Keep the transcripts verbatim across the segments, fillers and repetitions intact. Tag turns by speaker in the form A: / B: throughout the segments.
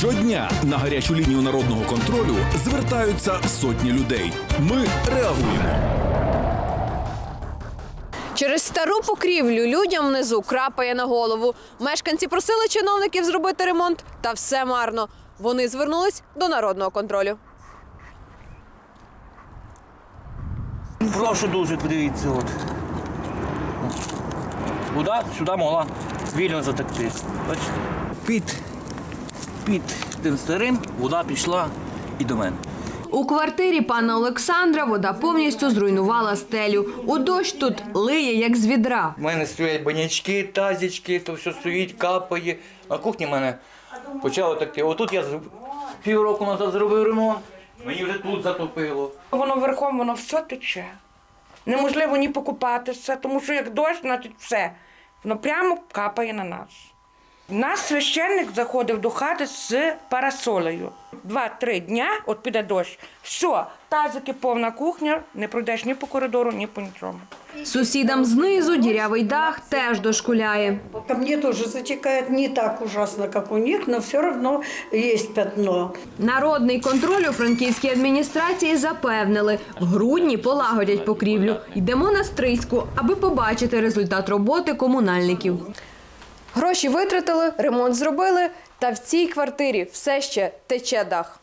A: Щодня на гарячу лінію народного контролю звертаються сотні людей. Ми реагуємо.
B: Через стару покрівлю людям внизу крапає на голову. Мешканці просили чиновників зробити ремонт, та все марно. Вони звернулись до народного контролю.
C: Прошу дуже, подивіться. От. Вода сюди могла вільно затекти. Бачите? Під, під тим старим вода пішла і до мене.
B: У квартирі пана Олександра вода повністю зруйнувала стелю. У дощ тут лиє, як з відра.
C: У мене стоять банячки, тазічки, то все стоїть, капає. На кухні в мене почало текти. Отут я півроку назад зробив ремонт, мені вже тут затопило.
D: Воно верхом, воно все тече. Неможливо ні покупатися, тому що як дощ, значить все. Воно прямо капає на нас. У нас священник заходив до хати з парасолею. Два-три дня, от піде дощ, все, тазики, повна кухня, не пройдеш ні по коридору, ні по нічому.
B: Сусідам знизу дірявий дах теж дошкуляє.
E: Ко мне тоже затекает не так ужасно, как у них, но все равно есть пятно.
B: Народний контроль у франківській адміністрації запевнили, в грудні полагодять покрівлю. Йдемо на Стрийську, аби побачити результат роботи комунальників. Гроші витратили, ремонт зробили, та в цій квартирі все ще тече дах.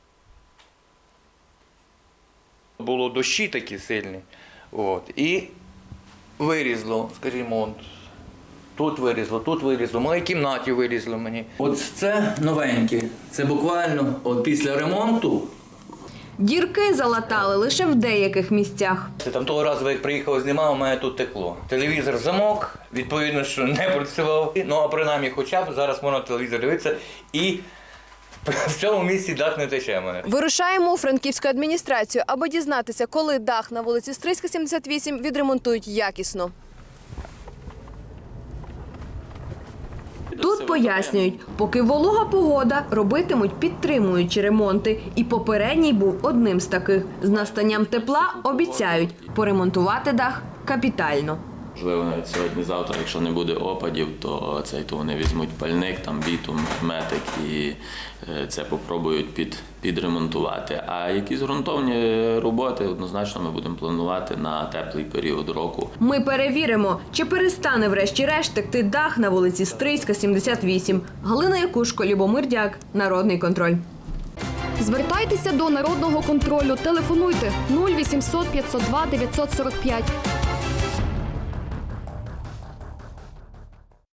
C: Було дощі такі сильні. От, і вирізло, скажімо, от, тут вирізло, тут вирізло, в моїй кімнаті вирізло мені. От це новеньке, це буквально от після ремонту.
B: Дірки залатали лише в деяких місцях.
C: Це там того разу, як приїхав, знімав, у мене тут текло. Телевізор замок, відповідно, що не працював. Ну, а принаймні, хоча б зараз можна телевізор дивитися і в цьому місці дах не тече в мене.
B: Вирушаємо у франківську адміністрацію, аби дізнатися, коли дах на вулиці Стрийська, сімдесят вісім відремонтують якісно. Тут пояснюють, поки волога погода, робитимуть підтримуючі ремонти. І попередній був одним з таких. З настанням тепла обіцяють поремонтувати дах капітально.
F: Можливо, навіть сьогодні-завтра, якщо не буде опадів, то цей то вони візьмуть пальник, там бітум, метик і це попробують під, підремонтувати. А якісь ґрунтовні роботи однозначно ми будемо планувати на теплий період року.
B: Ми перевіримо, чи перестане врешті-решт текти дах на вулиці Стрийська, сімдесят вісім. Галина Якушко, Любомир Дяк, Народний контроль.
G: Звертайтеся до Народного контролю. Телефонуйте нуль вісімсот п'ятсот два дев'ятсот сорок п'ять.